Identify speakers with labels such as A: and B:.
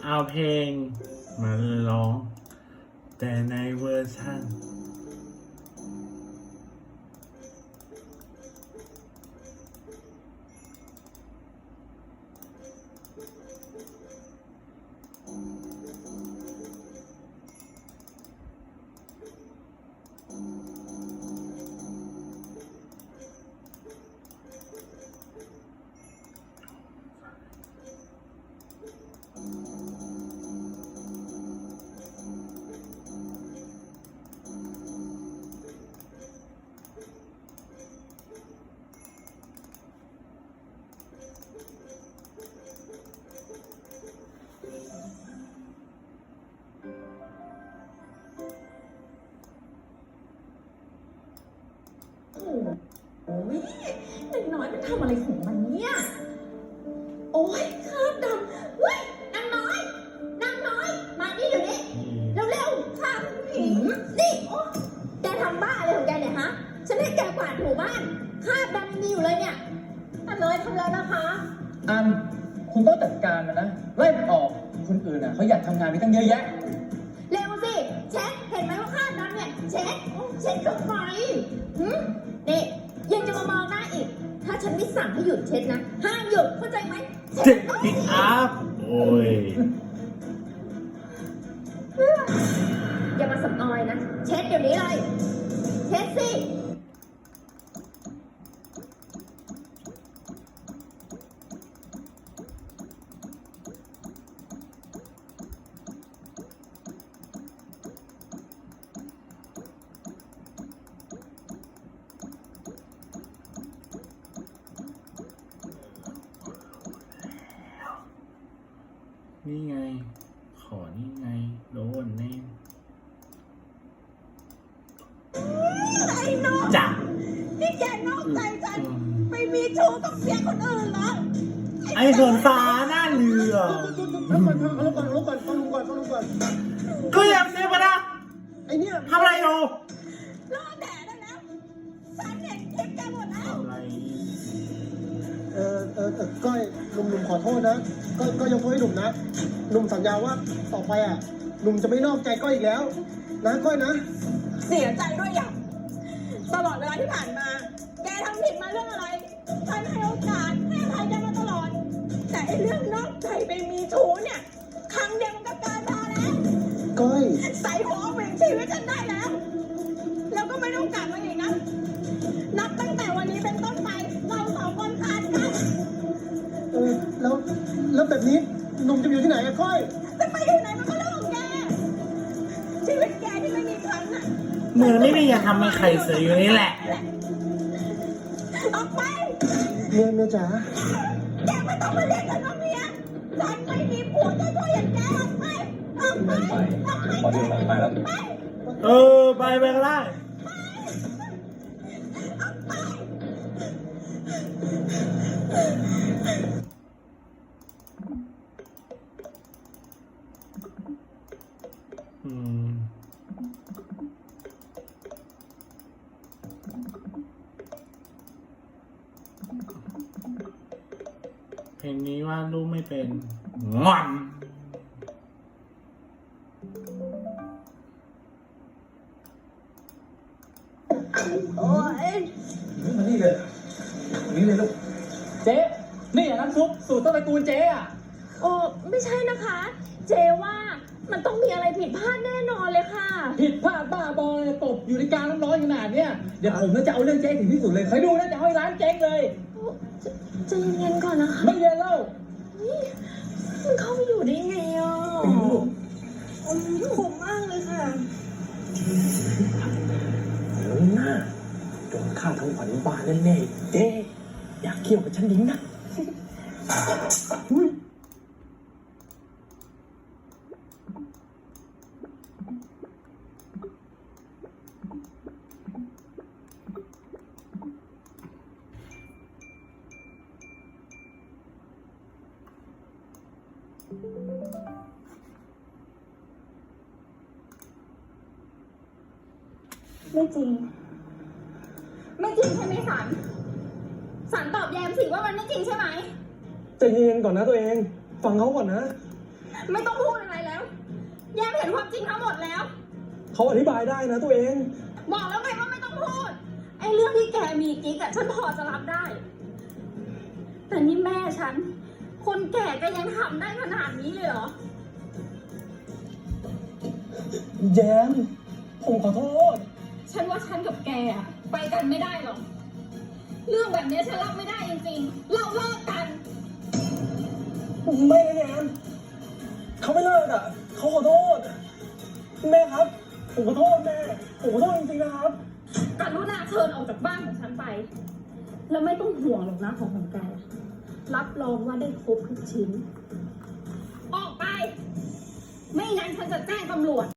A: เอาเพลงมาร้องแต่ในเวอร์ชัน
B: โอ้ยเด็กน้อยมันทำอะไรของมันเนี่ยโอ้ยคราบดำเฮ้ยนางน้อยมานี่เดี๋ยวนี้เร็วๆค่ะนี่แกทำบ้าอะไรของแกเนี่ยฮะฉันให้แกกวาดถูบ้านคราบดำยังมีอยู่เลยเนี่ยเลยทำแล้วนะคะ
C: อันคุณต้องจัดการมันนะไล่มันออกคนอื่นอ่ะเขาอยากทำงานมีตั้งเยอะแยะ
B: เร็วสิเช็ดเห็นไหมว่าคราบดำเนี่ยเช็ดลงไปนี่ยังจะมามองหน้าอีกถ้าฉันไม่สั่งให้หยุดเช็ดนะห้ามหยุดเข้าใจไหม
A: เช็ดปิกอัพโอ้ย
B: อย่ามาสับออยนะเช็ดเดี๋ยวนี้เลยเช็ดสิ
A: นี่ไงขอนี่ไงโดนแน่
B: ไอ้น้อง
A: จ้ะ
B: นี่แกนอกใจฉันไปมีชู้กับเมียคนอื่นเหรอ
A: ไอ้ส่วนฟ้าหน้าเรือ
C: แล้วก่อนฟังลุงก่อน
A: ก็ยังเสียปะนะ
C: ไอ้เนี่ย
A: ทำอะไรอยู่
B: รอแดดได้แล้วฉันเห็นคลิปแกหมดแล้ว
A: ทำอะไร
C: ก้อยหนุ่มขอโทษนะก็ยกโทษให้หนุ่มนะหนุ่มสัญญาว่าต่อไปอ่ะหนุ่มจะไม่นอกใจก้อยอีกแล้วนะก้อยนะ
B: เสียใจด้วยอย่างตลอดเวลาที่ผ่านมาแกทำผิดมาเรื่องอะไรฉันให้โอกาสให้อภัยแกมาตลอดแต่ไอ้เรื่องนอกใจไปมีชู้เนี่ยครั้งเดียวมันก็เกินพอแล้ว
C: ก้อย
B: ใส่หัวเหวี่ยงชีวิตฉันได้แล้วก็ไม่ต้องกลับมาอีกนะนับตั้งแต่วันนี้เป็นต้นไปเราสองคนขาดกัน
C: แล้วแบบนี้หนุ่มจะอยู่ที่ไหนอะก้อย
B: จะไปอยู่ไหนมันก็เรื่องของแกชีวิตแกที่ไม่มีครั้งน่ะ
A: มือไม่มีอย่าทำให้ใครเสียอยู่นี่แหละ
B: ออกไป
C: เมียจ๋า
B: แกไม่ต้องมาเรียกฉันว่าเมียฉันไม่มีผัวจะช่วยอย่างแกออกไป
C: พอดีไปแล้ว
A: ไปก็ได้เพลงนี้ว่าลูกไม่เป็นงอน
B: โอ้ย
C: มานี่เลยลูกเจ๊นี่น้ำซุปสูตรต้นตระกูลเจ๊อะ
B: โอ้ไม่ใช่นะคะเจว่ามันต้องมีอะไรผิดพลาดแน่นอนเลยค่ะ
C: ผิดพลาดบ้าบอเลยตบอยู่ในการร้อนขนาดเนี้ยเดี๋ยวผมจะเอาเรื่องเจ๊ถึงที่สุดเลยคอยดูนะจะเอาให้ร้านเจ๊งเลย
B: ใจเย็นก่อนนะคะ
C: ไม่เย็นเล่า
B: มันเข้าไปอยู่ได้ไงอ่ะผมมากเลยค่ะ
C: น่าโดนฆ่าทั้งขวัญบ้านแน่ๆเจ๊อยากเกี่ยวกับฉันดิ้งนะ
B: ไม่จริงใช่ไหมสันตอบแยมสิว่ามันไม่จริงใช่ไหม
C: ใจเย็นก่อนนะตัวเองฟังเขาก่อนนะ
B: ไม่ต้องพูดอะไรแล้ว แย้มเห็นความจริงทั้งหมดแล้ว
C: เขาอธิบายได้นะตัวเอง
B: บอกแล้วไงว่าไม่ต้องพูด ไอ้เรื่องที่แกมีกิ๊กอะฉันพอจะรับได้ แต่นี่แม่ฉัน คนแก่ก็ยังทำได้ขนาดนี้เลยเหรอ
C: แย้มผมขอโทษ
B: ฉันว่าฉันกับแกอะไปกันไม่ได้หรอก เรื่องแบบนี้ฉันรับไม่ได้จริงๆ เราเลิกกัน
C: ไม่นะแย้มเขาไม่เลิกอ่ะเขาขอโทษ แม่ครับ ผมขอโทษแม่ ผมขอโทษจริงๆนะครับ
B: กรุณาเชิญออกจากบ้านของฉันไป แล้วไม่ต้องห่วงหรอกนะของแก รับรองว่าได้ครบทุกชิ้น ออกไป ไม่งั้นฉันจะแจ้งตำรวจ